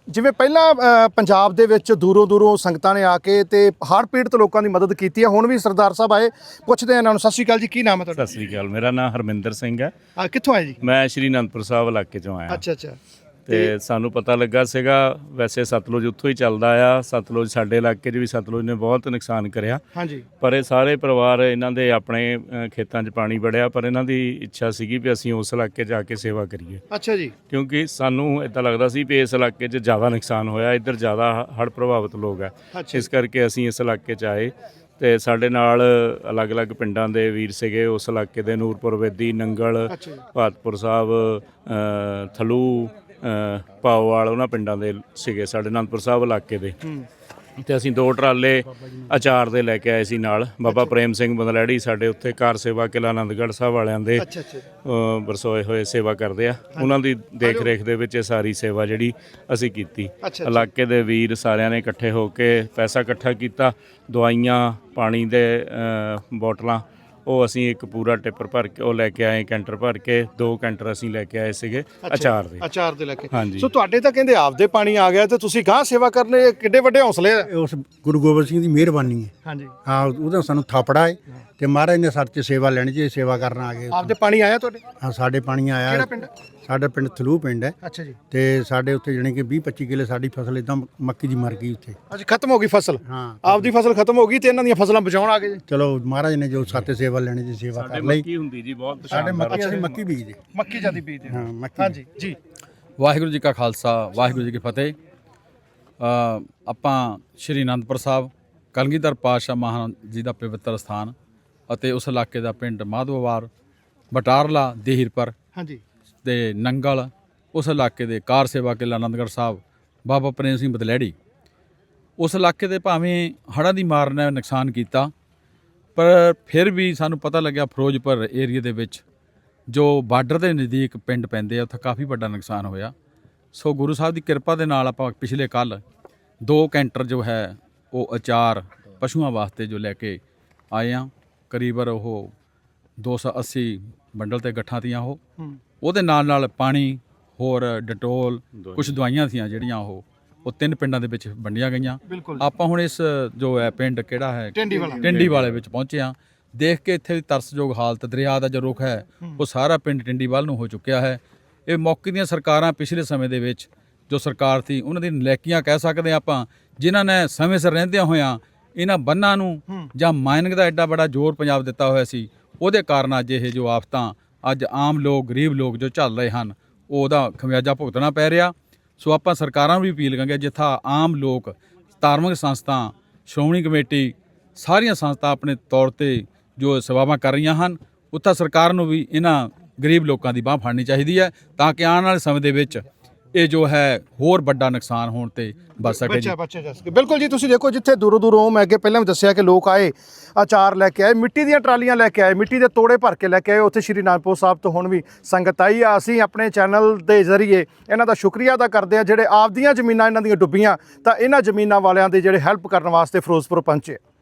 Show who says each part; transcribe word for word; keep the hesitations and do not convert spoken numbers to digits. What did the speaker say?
Speaker 1: ਜਿਵੇਂ ਪਹਿਲਾਂ ਅ, ਪੰਜਾਬ ਦੇ ਵਿੱਚ ਦੂਰੋਂ ਦੂਰੋਂ ਸੰਗਤਾਂ ਨੇ ਆ ਕੇ ਤੇ ਹੜ੍ਹ ਪੀੜਤ ਲੋਕਾਂ ਦੀ ਮਦਦ ਕੀਤੀ ਹੈ। ਹੁਣ ਵੀ ਸਰਦਾਰ ਸਾਹਿਬ ਆਏ, ਪੁੱਛਦੇ ਆ ਇਹਨਾਂ ਨੂੰ। ਸਤਿ ਸ਼੍ਰੀ ਅਕਾਲ ਜੀ, ਕੀ ਨਾਮ ਹੈ ਤੁਹਾਡਾ?
Speaker 2: ਸਤਿ ਸ੍ਰੀ ਅਕਾਲ, ਮੇਰਾ ਨਾਮ ਹਰਮਿੰਦਰ ਸਿੰਘ ਹੈ।
Speaker 1: ਆ ਕਿੱਥੋਂ ਆਏ ਜੀ?
Speaker 2: ਮੈਂ ਸ਼੍ਰੀ ਅਨੰਦਪੁਰ ਸਾਹਿਬ ਇਲਾਕੇ ਚੋਂ ਆਇਆ
Speaker 1: ਅੱਛਾ ਅੱਛਾ।
Speaker 2: ਤੇ ਸਾਨੂੰ ਪਤਾ ਲੱਗਾ ਸੀਗਾ, ਵੈਸੇ ਸਤਲੁਜ ਉੱਥੋਂ ਹੀ ਚੱਲਦਾ ਆ। ਸਤਲੁਜ ਸਾਡੇ ਇਲਾਕੇ 'ਚ ਵੀ ਸਤਲੁਜ ਨੇ ਬਹੁਤ ਨੁਕਸਾਨ ਕਰਿਆ,
Speaker 1: ਹਾਂਜੀ।
Speaker 2: ਪਰ ਇਹ ਸਾਰੇ ਪਰਿਵਾਰ ਇਹਨਾਂ ਦੇ ਆਪਣੇ ਅ, ਖੇਤਾਂ 'ਚ ਪਾਣੀ ਵੜਿਆ, ਪਰ ਇਹਨਾਂ ਦੀ ਇੱਛਾ ਸੀਗੀ ਵੀ ਅਸੀਂ ਉਸ ਇਲਾਕੇ 'ਚ ਜਾ ਕੇ ਸੇਵਾ ਕਰੀਏ,
Speaker 1: ਅੱਛਾ ਜੀ।
Speaker 2: ਕਿਉਂਕਿ ਸਾਨੂੰ ਇੱਦਾਂ ਲੱਗਦਾ ਸੀ ਵੀ ਇਸ ਇਲਾਕੇ 'ਚ ਜ਼ਿਆਦਾ ਨੁਕਸਾਨ ਹੋਇਆ, ਇੱਧਰ ਜ਼ਿਆਦਾ ਹੜ੍ਹ ਪ੍ਰਭਾਵਿਤ ਲੋਕ ਹੈ।
Speaker 1: ਅੱਛਾ।
Speaker 2: ਇਸ ਕਰਕੇ ਅਸੀਂ ਇਸ ਇਲਾਕੇ 'ਚ ਆਏ ਤੇ ਸਾਡੇ ਨਾਲ ਅਲੱਗ-ਅਲੱਗ ਪਿੰਡਾਂ ਦੇ ਵੀਰ ਸੀਗੇ ਉਸ ਇਲਾਕੇ ਦੇ। ਨੂਰਪੁਰ ਵੇਦੀ, ਨੰਗਲ,
Speaker 1: ਅੱਛਾ ਜੀ।
Speaker 2: ਭਾਤਪੁਰ ਸਾਹਿਬ, ਅ, ਥਲੂ, ਅ, ਪਾਓਵਾਲ, ਉਹਨਾਂ ਪਿੰਡਾਂ ਦੇ ਸੀਗੇ ਸਾਡੇ ਅਨੰਦਪੁਰ ਸਾਹਿਬ ਇਲਾਕੇ ਦੇ। ਤੇ ਅਸੀਂ ਦੋ ਟਰਾਲੇ ਅਚਾਰ ਦੇ ਲੈ ਕੇ ਆਏ ਸੀ ਨਾਲ। ਬਾਬਾ ਪ੍ਰੇਮ ਸਿੰਘ ਬੰਦਲੈੜੀ ਸਾਡੇ ਉੱਥੇ ਕਾਰ ਸੇਵਾ ਕਿਲ੍ਹਾ ਆਨੰਦਗੜ੍ਹ ਸਾਹਿਬ ਵਾਲਿਆਂ ਦੇ
Speaker 1: ਅੱਛਾ ਅੱਛਾ।
Speaker 2: ਅ, ਵਰਸੋਏ ਹੋਏ ਸੇਵਾ ਕਰਦੇ ਆ, ਉਹਨਾਂ ਦੀ ਦੇਖ ਰੇਖ ਦੇ ਵਿੱਚ ਇਹ ਸਾਰੀ ਸੇਵਾ ਜਿਹੜੀ ਅਸੀਂ ਕੀਤੀ।
Speaker 1: ਅੱਛਾ।
Speaker 2: ਇਲਾਕੇ ਦੇ ਵੀਰ ਸਾਰਿਆਂ ਨੇ ਇਕੱਠੇ ਹੋ ਕੇ ਪੈਸਾ ਇਕੱਠਾ ਕੀਤਾ, ਦਵਾਈਆਂ, ਪਾਣੀ ਦੇ ਅ, ਬੋਟਲਾਂ, ਉਹ ਅਸੀਂ ਇੱਕ ਪੂਰਾ ਟਿੱਪਰ ਭਰ ਕੇ ਉਹ ਲੈ ਕੇ ਆਏ, ਕੈਂਟਰ ਭਰ ਕੇ। ਦੋ ਕੈਂਟਰ ਅਸੀਂ ਲੈ ਕੇ ਆਏ ਸੀਗੇ ਅਚਾਰ ਦੇ।
Speaker 1: ਅਚਾਰ ਦੇ ਲੈ ਕੇ।
Speaker 2: ਹਾਂਜੀ।
Speaker 1: ਸੋ ਤੁਹਾਡੇ ਤਾਂ ਕਹਿੰਦੇ ਆਪਦੇ ਪਾਣੀ ਆ ਗਿਆ ਤੇ ਤੁਸੀਂ ਗਾਂ ਸੇਵਾ ਕਰਨੇ, ਕਿੱਡੇ ਵੱਡੇ ਹੌਸਲੇ ਆ।
Speaker 3: ਉਸ ਗੁਰੂ ਗੋਬਿੰਦ ਸਿੰਘ ਦੀ ਮਿਹਰਬਾਨੀ ਹੈ।
Speaker 1: ਹਾਂਜੀ।
Speaker 3: ਹਾਂ, ਉਹਦਾ ਸਾਨੂੰ ਥਾਪੜਾ ਹੈ ਤੇ ਮਹਾਰਾਜ ਨੇ ਸਾਡੇ 'ਚ ਸੇਵਾ ਲੈਣੀ ਜੀ, ਸੇਵਾ ਕਰਨ ਆ ਗਏ।
Speaker 1: ਆਪਦੇ ਪਾਣੀ ਆਇਆ ਤੁਹਾਡੇ?
Speaker 3: ਹਾਂ, ਸਾਡੇ ਪਾਣੀ ਆਇਆ।
Speaker 1: ਕਿਹੜਾ ਪਿੰਡ?
Speaker 3: ਸਾਡਾ ਪਿੰਡ ਥਲੂ ਪਿੰਡ ਹੈ।
Speaker 1: ਅੱਛਾ ਜੀ।
Speaker 3: ਤੇ ਸਾਡੇ ਉੱਥੇ ਜਾਣੀ ਕਿ ਵੀਹ ਪੱਚੀ ਕਿੱਲੇ ਸਾਡੀ ਫਸਲ ਇਦਾਂ ਮੱਕੀ ਦੀ ਮਰ ਗਈ ਉੱਥੇ।
Speaker 1: ਅੱਜ ਖਤਮ ਹੋ ਗਈ ਫਸਲ?
Speaker 3: ਹਾਂ।
Speaker 1: ਆਪਦੀ ਫਸਲ ਖਤਮ ਹੋ ਗਈ ਤੇ ਇਹਨਾਂ ਦੀਆਂ ਫਸਲਾਂ ਬਚਾਉਣ ਆ ਗਏ ਜੀ।
Speaker 3: ਚਲੋ ਮਹਾਰਾਜ ਨੇ ਜੋ ਸਾਤੇ ਸੇਵਾ ਲੈਣੀ ਜੀ, ਸੇਵਾ ਕਰ ਲਈ।
Speaker 2: ਮੱਕੀ ਹੁੰਦੀ ਜੀ ਬਹੁਤ
Speaker 3: ਸਾਡੇ ਮੱਕੀ, ਅਸੀਂ ਮੱਕੀ ਬੀਜਦੇ।
Speaker 1: ਮੱਕੀ ਜਿਆਦੀ ਬੀਜਦੇ।
Speaker 3: ਹਾਂ, ਮੱਕੀ।
Speaker 1: ਹਾਂਜੀ ਜੀ।
Speaker 4: ਵਾਹਿਗੁਰੂ ਜੀ ਕਾ ਖਾਲਸਾ, ਵਾਹਿਗੁਰੂ ਜੀ ਕੀ ਫਤਿਹ। ਅ, ਆਪਾਂ ਸ਼੍ਰੀ ਅਨੰਦਪੁਰ ਸਾਹਿਬ ਕਲਗੀਧਰ ਪਾਤਸ਼ਾਹ ਮਹਾਰਾਜ ਜੀ ਦਾ ਪਵਿੱਤਰ ਸਥਾਨ ਅਤੇ ਉਸ ਇਲਾਕੇ ਦਾ ਪਿੰਡ ਮਾਧੋਵਾਰ, ਬਟਾਰਲਾ, ਦੇਹੀਰਪੁਰ
Speaker 1: ਹਾਂਜੀ।
Speaker 4: ਤੇ ਨੰਗਲ, ਉਸ ਇਲਾਕੇ ਦੇ ਕਾਰ ਸੇਵਾ ਕਿਲ੍ਹਾ ਆਨੰਦਗੜ੍ਹ ਸਾਹਿਬ, ਬਾਬਾ ਪ੍ਰੇਮ ਸਿੰਘ ਬਦਲੈੜੀ, ਉਸ ਇਲਾਕੇ ਦੇ ਭਾਵੇਂ ਹੜ੍ਹਾਂ ਦੀ ਮਾਰ ਨੇ ਨੁਕਸਾਨ ਕੀਤਾ, ਪਰ ਫਿਰ ਵੀ ਸਾਨੂੰ ਪਤਾ ਲੱਗਿਆ ਫਿਰੋਜ਼ਪੁਰ ਏਰੀਏ ਦੇ ਵਿੱਚ ਜੋ ਬਾਰਡਰ ਦੇ ਨਜ਼ਦੀਕ ਪਿੰਡ ਪੈਂਦੇ ਆ, ਉੱਥੇ ਕਾਫੀ ਵੱਡਾ ਨੁਕਸਾਨ ਹੋਇਆ। ਸੋ ਗੁਰੂ ਸਾਹਿਬ ਦੀ ਕਿਰਪਾ ਦੇ ਨਾਲ ਆਪਾਂ ਪਿਛਲੇ ਕੱਲ੍ਹ ਦੋ ਕੈਂਟਰ ਜੋ ਹੈ ਉਹ ਅਚਾਰ ਪਸ਼ੂਆਂ ਵਾਸਤੇ ਜੋ ਲੈ ਕੇ ਆਏ ਹਾਂ। ਕਰੀਬਨ ਉਹ ਦੋ ਸੌ ਅੱਸੀ ਬੰਡਲ ਤੇ ਗੱਠਾਂ ਤੀਆਂ ਉਹ। ਉਹਦੇ ਨਾਲ ਨਾਲ ਪਾਣੀ, ਹੋਰ ਡਟੋਲ, ਕੁਝ ਦਵਾਈਆਂ ਸੀਆਂ ਜਿਹੜੀਆਂ ਉਹ ਉਹ ਤਿੰਨ ਪਿੰਡਾਂ ਦੇ ਵਿੱਚ ਵੰਡੀਆਂ ਗਈਆਂ। ਆਪਾਂ ਹੁਣ ਇਸ ਜੋ ਹੈ ਪਿੰਡ ਕਿਹੜਾ ਹੈ
Speaker 1: ਟਿੰਡੀ ਵਾਲਾ,
Speaker 4: ਟਿੰਡੀ ਵਾਲੇ ਵਿੱਚ ਪਹੁੰਚੇ ਹਾਂ। ਦੇਖ ਕੇ ਇੱਥੇ ਦੀ ਤਰਸਯੋਗ ਹਾਲਤ, ਦਰਿਆ ਦਾ ਜੋ ਰੁਖ ਹੈ ਉਹ ਸਾਰਾ ਪਿੰਡ ਟਿੰਡੀ ਵੱਲ ਨੂੰ ਹੋ ਚੁੱਕਿਆ ਹੈ। ਇਹ ਮੌਕੇ ਦੀਆਂ ਸਰਕਾਰਾਂ ਪਿਛਲੇ ਸਮੇਂ ਦੇ ਵਿੱਚ ਜੋ ਸਰਕਾਰ ਸੀ ਉਹਨਾਂ ਦੀ ਨਲਾਇਕੀਆਂ ਕਹਿ ਸਕਦੇ ਹਾਂ ਆਪਾਂ, ਜਿਨ੍ਹਾਂ ਨੇ ਸਮੇਂ ਸਿਰ ਰਹਿੰਦਿਆਂ ਹੋਇਆਂ ਇਹਨਾਂ ਬੰਨਾਂ ਨੂੰ ਜਾਂ ਮਾਈਨਿੰਗ ਦਾ ਐਡਾ ਬੜਾ ਜ਼ੋਰ ਪੰਜਾਬ ਦਿੱਤਾ ਹੋਇਆ ਸੀ, ਉਹਦੇ ਕਾਰਨ ਅੱਜ ਇਹ ਜੋ ਆਫਤਾਂ ਅੱਜ ਆਮ ਲੋਕ, ਗਰੀਬ ਲੋਕ ਜੋ ਝੱਲ ਰਹੇ ਹਨ, ਉਹ ਉਹਦਾ ਖਮਿਆਜਾ ਭੁਗਤਣਾ ਪੈ ਰਿਹਾ। ਸੋ ਆਪਾਂ ਸਰਕਾਰਾਂ ਨੂੰ ਵੀ ਅਪੀਲ ਕਰਾਂਗੇ, ਜਿੱਥਾ ਆਮ ਲੋਕ, ਧਾਰਮਿਕ ਸੰਸਥਾ, ਸ਼੍ਰੋਮਣੀ ਕਮੇਟੀ, ਸਾਰੀਆਂ ਸੰਸਥਾ ਆਪਣੇ ਤੌਰ ਤੇ ਜੋ ਸੇਵਾਵਾਂ ਕਰ ਰਹੀਆਂ ਹਨ, ਉੱਥਾ ਸਰਕਾਰ ਨੂੰ ਵੀ ਇਹਨਾਂ ਗਰੀਬ ਲੋਕਾਂ ਦੀ ਬਾਂਹ ਫੜਨੀ ਚਾਹੀਦੀ ਹੈ, ਤਾਂ ਕਿ ਆਉਣ ਵਾਲੇ ਸਮੇਂ ਦੇ ਵਿੱਚ ਇਹ ਜੋ ਹੈ ਹੋਰ ਵੱਡਾ ਨੁਕਸਾਨ ਹੋਣ ਤੇ ਬਚ ਸਕੇ ਜੀ।
Speaker 1: ਬੱਚਾ ਜਾ ਸਕੇ। ਬਿਲਕੁਲ ਜੀ। ਤੁਸੀਂ ਦੇਖੋ, ਜਿੱਥੇ ਦੂਰੋਂ ਦੂਰੋਂ, ਮੈਂ ਅੱਗੇ ਪਹਿਲਾਂ ਵੀ ਦੱਸਿਆ ਕਿ ਲੋਕ ਆਏ, ਅਚਾਰ ਲੈ ਕੇ ਆਏ, ਮਿੱਟੀ ਦੀਆਂ ਟਰਾਲੀਆਂ ਲੈ ਕੇ ਆਏ, ਮਿੱਟੀ ਦੇ ਤੋੜੇ ਭਰ ਕੇ ਲੈ ਕੇ ਆਏ। ਉੱਥੇ ਸ਼੍ਰੀ ਅਨੰਦਪੁਰ ਸਾਹਿਬ ਤੋਂ ਹੁਣ ਵੀ ਸੰਗਤ ਆਈ ਆ। ਅਸੀਂ ਆਪਣੇ ਚੈਨਲ ਦੇ ਜ਼ਰੀਏ ਇਹਨਾਂ ਦਾ ਸ਼ੁਕਰੀਆ ਅਦਾ ਕਰਦੇ ਹਾਂ, ਜਿਹੜੇ ਆਪਦੀਆਂ ਜ਼ਮੀਨਾਂ ਇਹਨਾਂ ਦੀਆਂ ਡੁੱਬੀਆਂ ਤਾਂ ਇਹਨਾਂ ਜ਼ਮੀਨਾਂ ਵਾਲਿਆਂ ਦੇ ਜਿਹੜੇ ਹੈਲਪ ਕਰਨ ਵਾਸਤੇ ਫਿਰੋਜ਼ਪੁਰ ਪਹੁੰਚੇ।